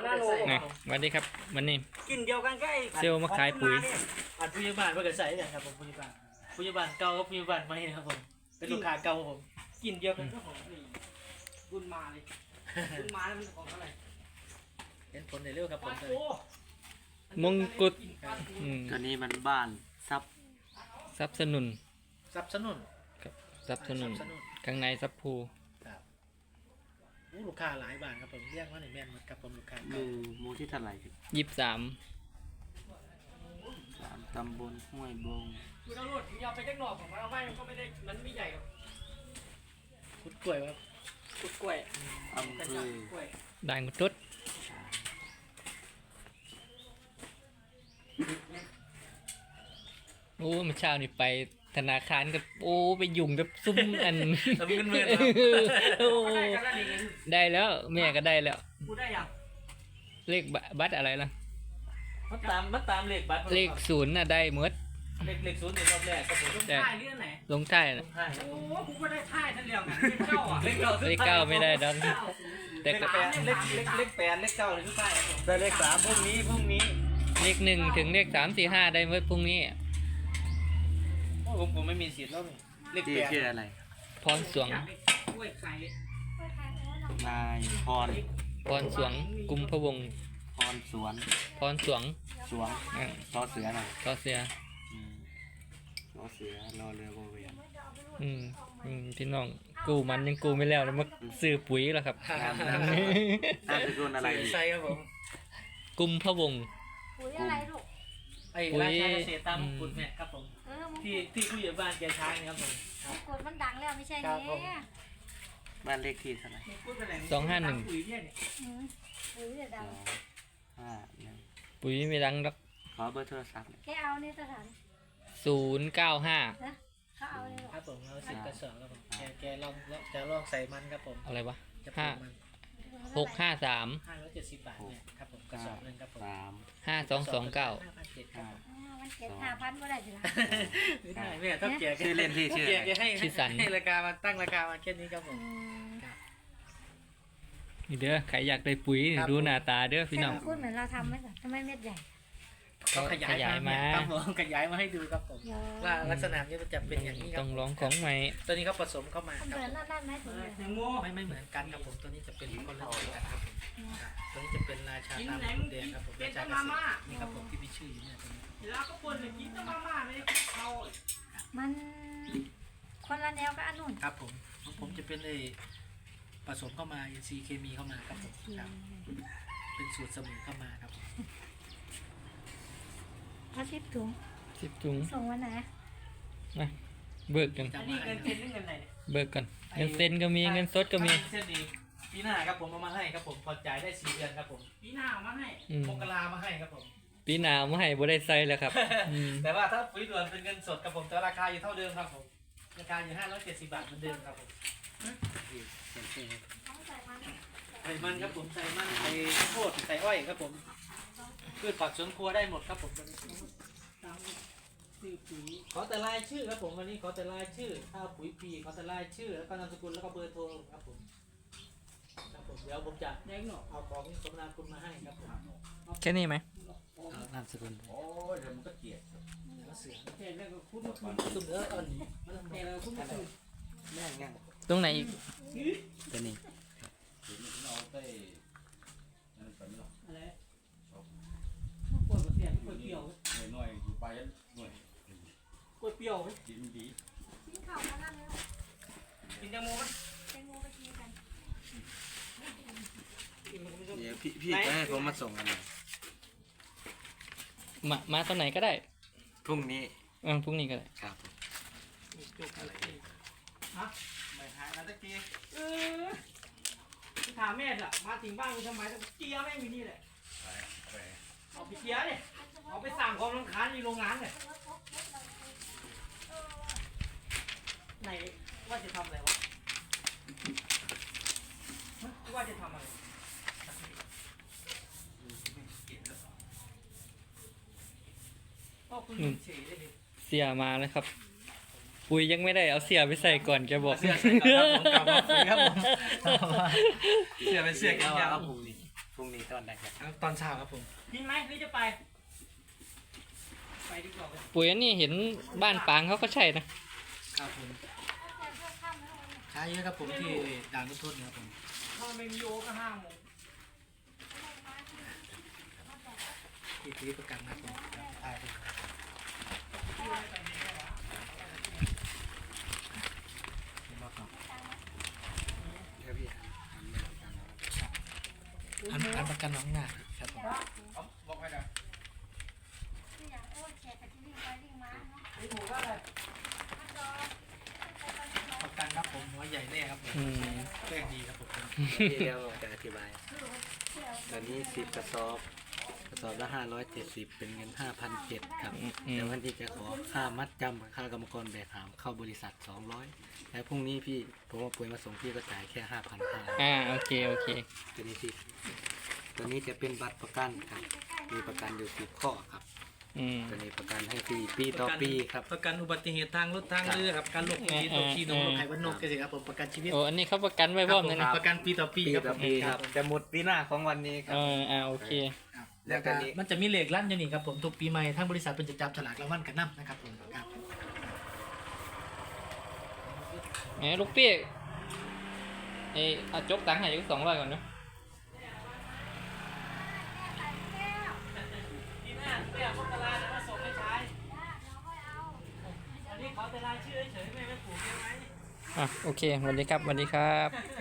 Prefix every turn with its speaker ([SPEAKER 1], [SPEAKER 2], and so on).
[SPEAKER 1] นาโน
[SPEAKER 2] ไงสวัสดีครับวันนี้
[SPEAKER 1] กินเดียวกันก็ไอ้
[SPEAKER 2] เซลล์มาขายปุ๋ย
[SPEAKER 3] อันผู้ใหญ่บ้านเพื่อนใส่เนี่ยครับผมผู้ใหญ่บ้านเก่ากับผู้ใหญ่บ้านใหม่นะครับผมเป็นลูกค้าเก่าผม
[SPEAKER 1] กินเดียวกันก็ของนี่บุญมาเลยบุญมาแล้วมันของเท่าไหร่
[SPEAKER 3] เห็นผลในเรื่องครับผม
[SPEAKER 1] โอ้
[SPEAKER 2] มงกุฎ
[SPEAKER 4] ตัวนี้มันบ้านซับ
[SPEAKER 2] สนับสนุน
[SPEAKER 3] ซับสนุน
[SPEAKER 2] ครับสนับสนุน
[SPEAKER 3] สนุน
[SPEAKER 2] ข้างในซับพู
[SPEAKER 3] ครับลูกค้าหลายบ้านครับผมเรียกว่าในแม่นหมดครับผมลูกค้า
[SPEAKER 4] ห
[SPEAKER 3] เก่า
[SPEAKER 4] มู่ที่เท่าไหร่ครับ
[SPEAKER 2] 23
[SPEAKER 4] 3ตำบลห้วยบง
[SPEAKER 1] คุณเอาโลดยาวไปจักหน่อของมันเอาไว้มันก็ไม่ได้มันไม่ใหญ่หรอก
[SPEAKER 3] พุดกล้วยครับ
[SPEAKER 1] กุดกล้วย
[SPEAKER 4] อำ
[SPEAKER 1] แต่
[SPEAKER 4] เภ
[SPEAKER 1] จับ
[SPEAKER 4] อก
[SPEAKER 1] ล้วย
[SPEAKER 2] ด่านกุดตุดโอ้เมื่อเช้านี่ไปธนาคารกับโอ้ไปยุ่งกับซุ่มอัน
[SPEAKER 3] ทำเงินเมื่อครับ
[SPEAKER 2] โอ้
[SPEAKER 1] ได้กันแล้วนี่ไง
[SPEAKER 2] ได้แล้วแม่ก็ได้แล้ว
[SPEAKER 1] กูได้ยัง
[SPEAKER 2] เลขบัตรอะไรล่ะ
[SPEAKER 3] มาตามเลขบัตร
[SPEAKER 2] เลขศูนย์น่ะได้หมด
[SPEAKER 3] เลขศูนย์ในรอบแรกครับผม
[SPEAKER 1] ลงท้ายเรื่องไหน
[SPEAKER 2] ลงท้าย
[SPEAKER 3] ล
[SPEAKER 2] น่ะ
[SPEAKER 3] งท้ายครับ
[SPEAKER 1] โอ้
[SPEAKER 3] ผม
[SPEAKER 1] กูก็ได้ท้ายท่านเดียวกันเป็นเจ้าอ่ะ
[SPEAKER 3] เลขเก้า
[SPEAKER 2] เลขเก้าไม่ได้ดอก แต่
[SPEAKER 3] เลข
[SPEAKER 2] ก็
[SPEAKER 3] แปดเลขแปดเลขเก้าเลยทุกท่ายครับผม
[SPEAKER 4] ได้เลข3พรุ่งนี้
[SPEAKER 2] เลข1ถึงเลข3 4 5ได้หมดพรุ่งนี้
[SPEAKER 3] โอ้ผมไม่มีสิทธิ์แล้วนี่เลข
[SPEAKER 4] ที่
[SPEAKER 3] แปด
[SPEAKER 4] ชื่ออะไร
[SPEAKER 2] พรสวง
[SPEAKER 1] กล้วยไข่
[SPEAKER 4] นายพร
[SPEAKER 2] พรสวงกุมพะวงศ์
[SPEAKER 4] พรสวน
[SPEAKER 2] พรสวง
[SPEAKER 4] สวง
[SPEAKER 2] อ่ะ
[SPEAKER 4] ซอเสือน่ะ
[SPEAKER 2] ก็เสีย
[SPEAKER 4] ซอเสือรอเรือโบเวียน
[SPEAKER 2] พี่น้องกู้มันยังกู้ไม่แล้วเลยมาซื้อปุ๋ยแล้วครับ
[SPEAKER 4] นามสกุลอะไรดี
[SPEAKER 3] ใช่ครับผม
[SPEAKER 2] กุมพะวงศ์
[SPEAKER 5] ปุ๋ยอะไรลูก
[SPEAKER 3] ไอ้
[SPEAKER 2] ปุ๋ย
[SPEAKER 3] ราชาเกษตรตามมงกุฎเนี่ยครับผม
[SPEAKER 5] เออมึง
[SPEAKER 3] ที่ผู้ใหญ่บ้านแกใช้นะครับผม
[SPEAKER 5] กดมันดังแล้วไม่ใช่
[SPEAKER 3] ครับผม
[SPEAKER 5] เนี่ย
[SPEAKER 4] บ้านเลขที่เท่าไหร่
[SPEAKER 1] พูดไปไหน
[SPEAKER 3] ปุ๋ยเนี่ย
[SPEAKER 5] อืมปุ๋ยเนี่ยดัง
[SPEAKER 4] 251
[SPEAKER 2] ปุ๋ยไม่ดังหรอก
[SPEAKER 4] ขอเบอร์โทรศัพท์หน่อย
[SPEAKER 5] แกเอาเนี่ยสถาน
[SPEAKER 2] 095
[SPEAKER 5] นะเขาเอาเนี่ย
[SPEAKER 3] ครับผมเราสิบกระสอบครับผมแกลองจะลองใส่มันครับผม
[SPEAKER 2] อะไรวะ
[SPEAKER 3] จะปลูกมัน
[SPEAKER 2] 653
[SPEAKER 3] 570 บาทเนี่ยครับผมกระสอบหนึงครับผม
[SPEAKER 2] 5229
[SPEAKER 3] 5,700ครับผม
[SPEAKER 5] มันเก็บ5,000ก็ได้สิละ
[SPEAKER 3] ไม่ได้แม่ถ้าแก
[SPEAKER 4] ชื่อเล่นที่ชื่อ
[SPEAKER 3] แก
[SPEAKER 4] อะไร
[SPEAKER 3] ให้ราคามาตั้งราคามาแค่นี้ครับผม
[SPEAKER 2] นี่เด้อใครอยากได้ปุ๋ยนี่
[SPEAKER 3] ครับ
[SPEAKER 2] ดูหน้าตาเด้อพี่น้อง
[SPEAKER 5] พูดเหมือนเราทำไหมจ๊ะทำไมเม็ดใหญ่
[SPEAKER 2] เขาขยายมา
[SPEAKER 3] ครับผมขยายมาให้ดูครับผม
[SPEAKER 5] เยอะ
[SPEAKER 3] ว่าลักษณะนี้มันจะเป็นอย่างนี้ครั
[SPEAKER 2] ต้
[SPEAKER 3] บ
[SPEAKER 2] องร้องของใหม่
[SPEAKER 3] ตัวนี้เขาผสมเข้ามา
[SPEAKER 5] มัน
[SPEAKER 3] ค
[SPEAKER 5] เห
[SPEAKER 3] รับ
[SPEAKER 5] มือนนั่นไหมถุงเลย
[SPEAKER 1] แตงโม
[SPEAKER 3] ไม่เหมือนกันครับผมตัวนี้จะเป็นคนละตัวกันครับผมตัวนี้จะเป็นราชา
[SPEAKER 1] กิน
[SPEAKER 3] ตาม
[SPEAKER 1] ไหน
[SPEAKER 3] กุ
[SPEAKER 1] มึ
[SPEAKER 3] ฎ
[SPEAKER 1] ง
[SPEAKER 3] แด
[SPEAKER 1] กิ
[SPEAKER 3] ง
[SPEAKER 1] น
[SPEAKER 3] ครับผม
[SPEAKER 1] เป็น
[SPEAKER 3] รา
[SPEAKER 1] แต่
[SPEAKER 3] ชาเก
[SPEAKER 1] มา
[SPEAKER 3] ษ
[SPEAKER 1] ม่า
[SPEAKER 3] ตรนี่ครับผมที่พี่ชื่ออยู่เนี่ยตัวนี้
[SPEAKER 1] แล้วก็คนกินแต่มาม่าไม่ได้เอา
[SPEAKER 5] มันคนละแนวกับอันนู้น
[SPEAKER 3] ครับผมของผมจะเป็นไอ้ผสมเข้ามาอินทรีย์เคมีเข้ามาครับผมครับเป็นสูตรเสมอเข้ามาครับผม
[SPEAKER 5] เอา10 ถุง
[SPEAKER 2] 10ถุง
[SPEAKER 5] ส่งวันไหน
[SPEAKER 2] นะเบิกกัน
[SPEAKER 1] อันนี้เงินเป็นหรือเงินไหนเนี่ย
[SPEAKER 2] เบิกกันเงินเซ็นก็มีเงินสดก็มี
[SPEAKER 3] เส้นนี้ปีหน้าครับผมเอามาให้ครับผมพอจ่ายได้4 เดือนครับผม
[SPEAKER 1] ปีหน้าเอามาให้
[SPEAKER 3] มกรามาให้ครับผม
[SPEAKER 2] ปีหน้าไม่ให้บ่ได้ใส่แล้วครับอืม
[SPEAKER 3] แต่ว่าถ้าปุ๋ยด่วนเป็นเงินสดครับผมแต่ราคาอยู่เท่าเดิมครับผมราคาอยู่570 บาทเหมือนเดิมครับผม
[SPEAKER 5] ต้องใส่มัน
[SPEAKER 3] ใส่มันครับผมใส่มันใส่ข้าวโพดใส่อ้อยครับผมพืชผักสวนครัวได้หมดครับผม
[SPEAKER 1] ตามซื้อปุ๋ย
[SPEAKER 3] ขอแต่รายชื่อครับผมวันนี้ขอแต่รายชื่อถ้าปุ๋ยปีขอแต่รายชื่อแล้วก็นามสกุลแล้วก็เบอร์โทรครับผมครับผมเดี๋ยวผมจะ
[SPEAKER 1] แดงหนอก
[SPEAKER 3] เอาของสมนาคุณมาให้ครับผม
[SPEAKER 2] แค่นี้ไหม
[SPEAKER 3] นามสกุล
[SPEAKER 6] โอ้ยเดี๋ยวมันก็เกลียด
[SPEAKER 3] แล้วเสือ
[SPEAKER 1] แค่แล้วก็คุ้นมาคืน
[SPEAKER 3] ตุ่มเนื้ออ่อนมัน
[SPEAKER 1] แค่แล้วก็คุ้นมาคืน
[SPEAKER 4] แม่งยัง
[SPEAKER 2] ตรงไหนอีก
[SPEAKER 4] ตัวนี้
[SPEAKER 6] เห็นมันเอาไปนั่นไปไม่หรอก
[SPEAKER 1] อะไรกล้วยเปรี้ยวกล้วยเปรี้ยว
[SPEAKER 6] หน่อยหน่อยอยู่ไปหน่อย
[SPEAKER 1] กล้วยเปรี้ยวไหม
[SPEAKER 6] กินดี
[SPEAKER 5] กินข้าวมานั่นเลย
[SPEAKER 1] กินแตงโมไหม
[SPEAKER 5] แตงโมไปกินกัน
[SPEAKER 1] กินมันก็ไม่ต้อง
[SPEAKER 4] เดี๋ยวพี่จะให้ผมมาส่งกันหน่อย
[SPEAKER 2] มาตอนไหนก็ได้
[SPEAKER 4] พรุ่งนี้
[SPEAKER 2] พรุ่งนี้ก็ได้
[SPEAKER 4] ครับ
[SPEAKER 1] จุกอะไรฮะ
[SPEAKER 4] ไม่หายนะตะกี้
[SPEAKER 1] ถามแม่อะมาถึงบ้านมึงทำไมเกียร์แม่งอยู่นี่แหละ
[SPEAKER 6] ไป
[SPEAKER 1] เอาไปเกียร์เนี่ยเอาไปสั่งความรำคาญในโรงงานเนี่ยไหนว่าจะทำอะไรวะว่าจะทำอะไรก็คุณเฉยเลยดิ
[SPEAKER 2] เสียมาแล้วครับ ปุ๋ยยังไม่ได้เอาเสียไปใส่ก่อนแกบอก
[SPEAKER 3] เสื้อใส่ก่อนครับผมกลับมาคุยครับผมเสื้อเป็นเสื้อแขนยาว
[SPEAKER 4] พรุ่งนี้ก็อนไหนครับ
[SPEAKER 3] ตอนเช้าครับผม
[SPEAKER 1] กินไหมหรือจะไป ไปดีกว่า
[SPEAKER 2] ปุ๋ยอันนี้เห็นบ้านปางเขาก็ใช่นะครับ
[SPEAKER 3] ผมใช้เยอะครับผมที่ด่านรถทุนครับผม
[SPEAKER 1] ถ้าไม่มีโอก็5 โมง
[SPEAKER 3] ที่ซื้อประกันครับผมตายผมอันประกันน้องหน้าครับผม
[SPEAKER 1] บอกให้ได้
[SPEAKER 5] ที่อย่างโอ้ยแขกกับที่วิ่งไปวิ่งมาเนาะ
[SPEAKER 1] ไม่ถูกก็เลย
[SPEAKER 3] ประกันครับผมหัวใหญ่แน่ครับผม
[SPEAKER 2] อืม
[SPEAKER 3] แป้งดีครับผม
[SPEAKER 4] ที่แล้วผมจะอธิบายตอนนี้10 กระสอบละ570เป็นเงิน 5,700ครับแต่วันที่จะขอค่ามัดจำกับค่ากรรมกรแบกหามเข้าบริษัท200แล้วพรุ่งนี้พี่ผมว่าปุ๋ยมาส่งพี่ก็จ่ายแค่ 5,500
[SPEAKER 2] โอเคโอเค
[SPEAKER 4] ตัวนี้สิตัวนี้จะเป็นบัตรประกันครับมีประกันอยู่10 ข้อครับ
[SPEAKER 2] อืม
[SPEAKER 4] ตัวนี้ประกันให้ฟรีปีต่อปีครับ
[SPEAKER 3] ประกันอุบัติเหตุทางรถทางเรือครับการลงทุนที่ตกที่นงรถไถวันนกกันสิครับผมประกันชีวิต
[SPEAKER 2] โอ้อันนี้เขาประกันไว้พร้อมเลยนะ
[SPEAKER 3] ประกันปีต่อปี
[SPEAKER 4] ปี
[SPEAKER 3] ครับ
[SPEAKER 4] ต่
[SPEAKER 3] ผ
[SPEAKER 4] อ
[SPEAKER 3] ม
[SPEAKER 4] ปีครับจะหมดปีหน้าของวันนี้ครั
[SPEAKER 2] โอเค
[SPEAKER 3] แล้วก็มันจะมีเลขลั่นอยู่นี่ครับผมทุกปีใหม่ทางบริษัทเป็นจะจับฉลากรางวัลกันนำนะครับผมครับ
[SPEAKER 2] แหมลูกเปี้ยเอาจกตังค์ให้อยู่200ก่อนเนาะ
[SPEAKER 1] ที่หน้าเปียกพวกกะลาจะมาส่งให้ใช้อันนี้ขอแต่รายชื่อเฉยๆไม่ผูกเยอะไหม
[SPEAKER 2] โอเคสวัสดีครับสวัสดีครับ